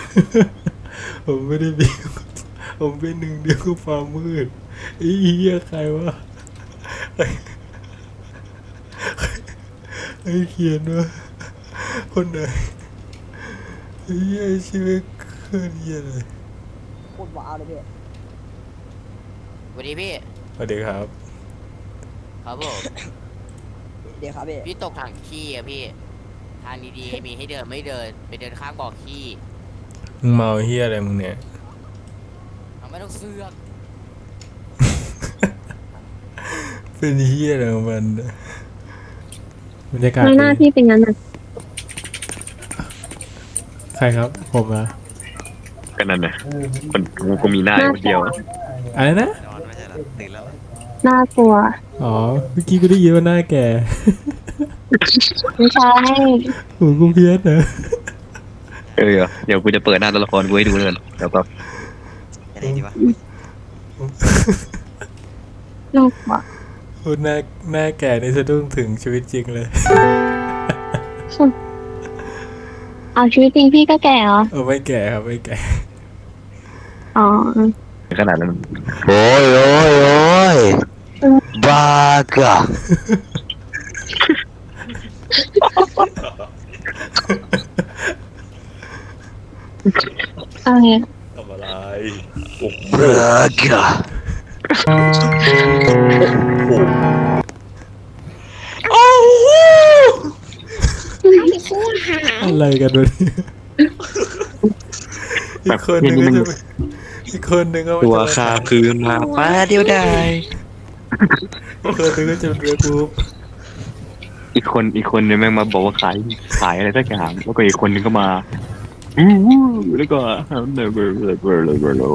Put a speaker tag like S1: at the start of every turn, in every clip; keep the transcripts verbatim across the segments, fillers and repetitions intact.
S1: ผมไม่ได้มีผมเป็นหนึ่งเดียวกับความมืดไอ้เหี้ยใครวะไอ้เขียนวะคนไหนไอ้เหี้ยชีวิตเคลื่อนเหี้ยเลย
S2: โคตรว้าวเลยพี่
S3: สวัสดีพี่
S1: สวัสดีครับ
S3: ครับผม
S2: เดี๋ยวครับพี่
S3: พี่ตกถังขี้อะพี่ ทางดีๆมีให้เดินไม่เดินไปเดินข้างบ่อขี้
S1: มึงเมาเหี้ยอะไรมึงเนี่ย
S3: เอาไม่ต้องเสือก
S1: เป็นเหี้ยอะไรของมันบรรยากาศ
S4: ไม่หน้า
S1: ดี
S4: ที่เป็นงั้นอ่ะ
S1: ใครครับผมอะ
S5: ก็นั่นนะคนกูก็มีหน้าอยู่คนเดียว
S1: อะไรนะ
S6: นอนไม่ใช่เหรอตื่นแล้วเหรอ
S4: น่ากลัว
S1: อ๋อเมื่อกี้กูได้ยินว่าหน้าแก่
S4: ไม่ใช่
S1: หูกูเพี้ยนเหรอ
S5: เออเดี๋ยวกูจะเปิดหน้าตัวละครกูให้ดูเลยเดี๋ยวก็
S6: อะไรดีวะ
S4: น่ากลัว
S1: พูดหน้าหน้าแก่ในสะดุ้งถึงชีวิตจริงเลย
S4: เอาชีวิตจริงพี่ก็แก่เหรอ
S1: เออไม่แก่ครับไม่แก่
S4: อ๋อ
S5: ขนาดนั้น
S7: โอ้ยโอ้ยโอ้ยบ้ากะ
S4: เอาไง
S1: ทำอะไร
S7: บ้ากะ
S1: อะไรกันวะเนี่ยอีกคนหนึ่งก็จะไปอีกคนหนึ่งก็
S5: ตัว
S1: จะ
S5: คาคืนมาป้าเดียวได้
S1: อีกคนหนึ่งก็จะเป็นเรือกูป
S5: อีกคนอีกคนนึงแม่งมาบอกว่าขายขายอะไรสักอย่างแล้วก็อีกคนนึงก็มาอู้หูแล้วก็เลยเลยเลยเลยเลยเลย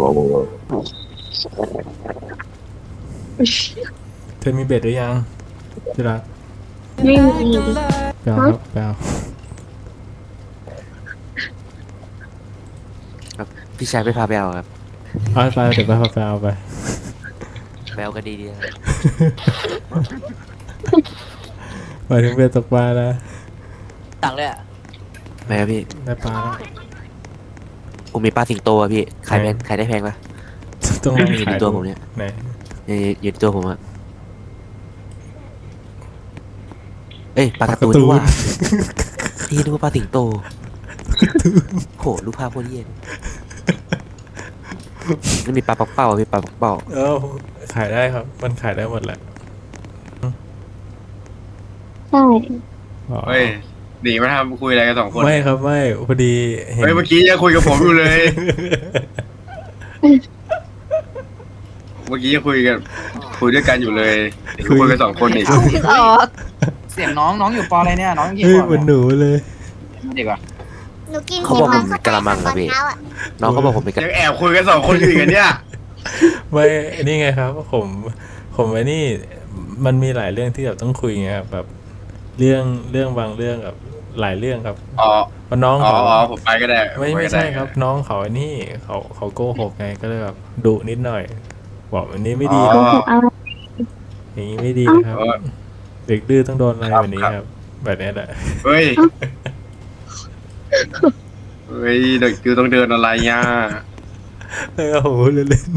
S1: เธอมีเบ็ดหรือยังที่รัก
S4: ไม่มี
S1: แปลครับแปล
S6: พี่ชายไปพาไปเอาครับ
S1: เอาไปเดี๋ยวไปเอาไปเอาไป
S6: ไปเอากันดีๆนะครับ
S1: หมายถึงเบ็ดตกปลานะ
S3: ตังเลยอะ
S6: ไม่ครับพี่
S1: ได้ปลาแล้ว
S6: ผมมีปลาสิงโตอะพี่ขายแพงขายได้แพงปะ
S1: ต้องลอง
S6: อยู่
S1: ขา
S6: ใน
S1: ย
S6: ตัว
S1: ดู
S6: ผมเนี่ย
S1: ไหน
S6: อยู่อยู่ในตัวผมอะเอ้ยปลาการ์ตูนนี่ว่าพี่นึกว่าปลาสิงโตโหรูปภาพโคตรเยี่ยมนี่มีปลาปักเป้าอะพี่ปลาปักเป้า
S1: เอ้าขายได้ครับ มันขายได้หมดแหละ
S4: ใช่
S1: อ๋อ
S8: เฮ้ยหนีมาทำคุยอะไรกันสองคน
S1: ไม่ครับไม่พอดีเห็น
S8: เฮ้ยเมื่อกี้ยังคุยกับผมอยู่เลย เมื่อกี้ยังคุยกันคุยด้วยกันอยู่เลยเดี๋ยวคุยกันสองคนอีก
S9: เสียงน้องน้องอยู่ปออะไรเนี่ยน้องกี่
S1: เฮ้ย
S9: ขวบ
S1: เหมือนห
S9: เนี่ย
S1: นูเลย
S9: เด็กวะ
S10: หนูกิน
S6: เขาบอกผมกะละมังอะพี่น้องเขาบอกผมเป็นกะ
S8: ยังแอบคุยกันสองคนอยู่อีกอันเนี่ย
S1: ไม่นี่ไงครับ ผมผมไอ้นี่มันมีหลายเรื่องที่แบบต้องคุยไงครับแบบเรื่องเรื่องบางเรื่องกับหลายเรื่องครับ
S8: อ๋อ
S1: เพราะน้อง
S8: อ๋อ
S1: เขา
S8: อ๋อผมไปก็ได้
S1: ไม่
S8: ผป
S1: ไม่
S8: ก็ด้
S1: ใช่ครับ น้องเขาไอ้นี่เขาเขาโกหกไงก็เลยแบบดุนิดหน่อย บอกอันนี้ไม่ดี
S8: อ๋
S1: ค
S8: อ
S1: รับ
S4: เอา
S1: อย่างนี้ไม่ดีนะครับ
S8: เออ
S1: เด็กดื้อต้องโดนอะไร
S8: ครับ
S1: แบบนี้ครับ แบบนี้แหละ
S8: เฮ้ยเฮ้ยเด็กคือต้องเดินอะไรเนี่ย
S1: แล้วก็โหเล่น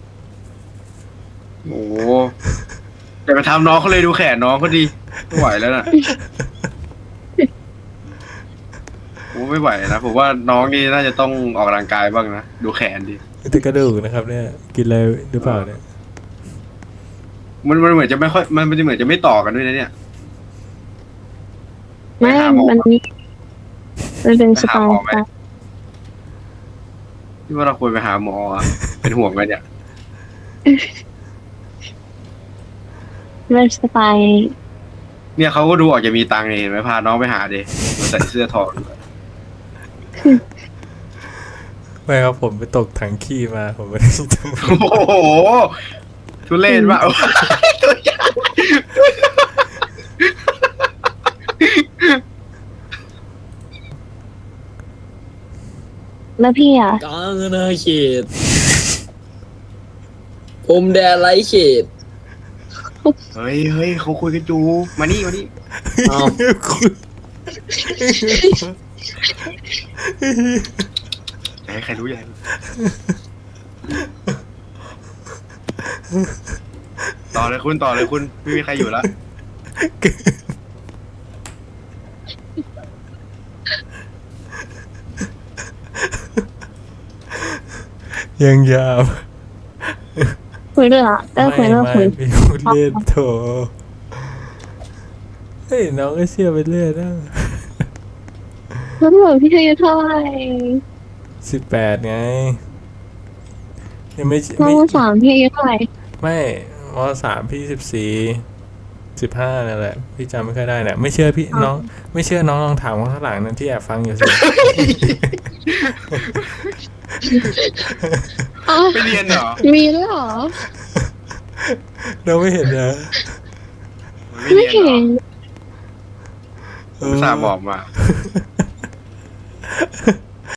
S8: โอ้โหแต่ไปทำน้องเขาเลยดูแขนน้องเขาดีไม่ไหวแล้วน่ะโอ้ไม่ไหวนะผมว่าน้องนี่น่าจะต้องออกกำลังกายบ้างนะดูแขนดิ
S1: ๆแต่กระดูกนะครับ เนี่ยกินอะไรหรือเปล่าเนี่ย
S8: มันมันเหมือนจะไม่ค่อยมันมันจะเหมือนจะไม่ต่อกันด้วยนะเนี่ย
S4: ไม่
S8: ไปหาหมอ
S4: มันนี่มันเป็นสไต
S8: ไปหาหมอ
S4: ล์
S8: ไหม ที่ว่าเราควรไปหาหมออะเป็นห่วงกันเนี่ย
S4: เป็นสไตล์
S8: เนี่ยเขาก็ดูออกจะมีตังค์นี่เห็นไหมพาน้องไปหาดิมาใส่เสื้อทองด้วย
S1: ไม่ครับผมไปตกถังขี้มาผมไม่ได้ท
S8: โอ้โหทุเรศว่ะ ตัวใหญ่
S4: แล้วพี่อ่ะ
S9: กลางนาเขตพรมแดนไร้เขต
S8: เฮ้ยเฮ้ยเขาคุยกันจูมานี่มานี่
S9: เอา
S1: ำคุณ
S8: ใจให้ใครรู้อย่าให้ต่อเลยคุณต่อเลยคุณไม่มีใครอยู่แล้ว
S1: ยังยาว
S4: คุยด้วยอ่ะได้คุย
S1: ไม่
S4: ด้วย
S1: ไม่
S4: คุย
S1: พี่พูดเล่นโถเฮ้ยน้องก็เชื่อไปเรื่อยนะ
S4: แล้วหนูพี่อายุเท่าไหร่
S1: สิบแปดไงยังไม่
S4: น้อ
S1: ไม่
S4: งสามพี่อายุเท่าไหร่
S1: ไม่มสามพี่สิบสี่สิบห้านั่นแหละพี่จำไม่ค่อยได้เนี่ยไม่เชื่อพี่น้อง ไม่เชื่อน้องลองถามคนข้างหลังนั่นที่แอบฟังอยู่สิ
S4: อ้าว
S8: ไปเรียนเหรอ
S4: มีด้วยเหรอ
S1: เราไม่เห็นนะ
S8: ไม่
S4: ไม่
S8: เรียนเหร
S4: เห็
S8: อน
S1: เอ
S8: อุตส่าห์บอกมา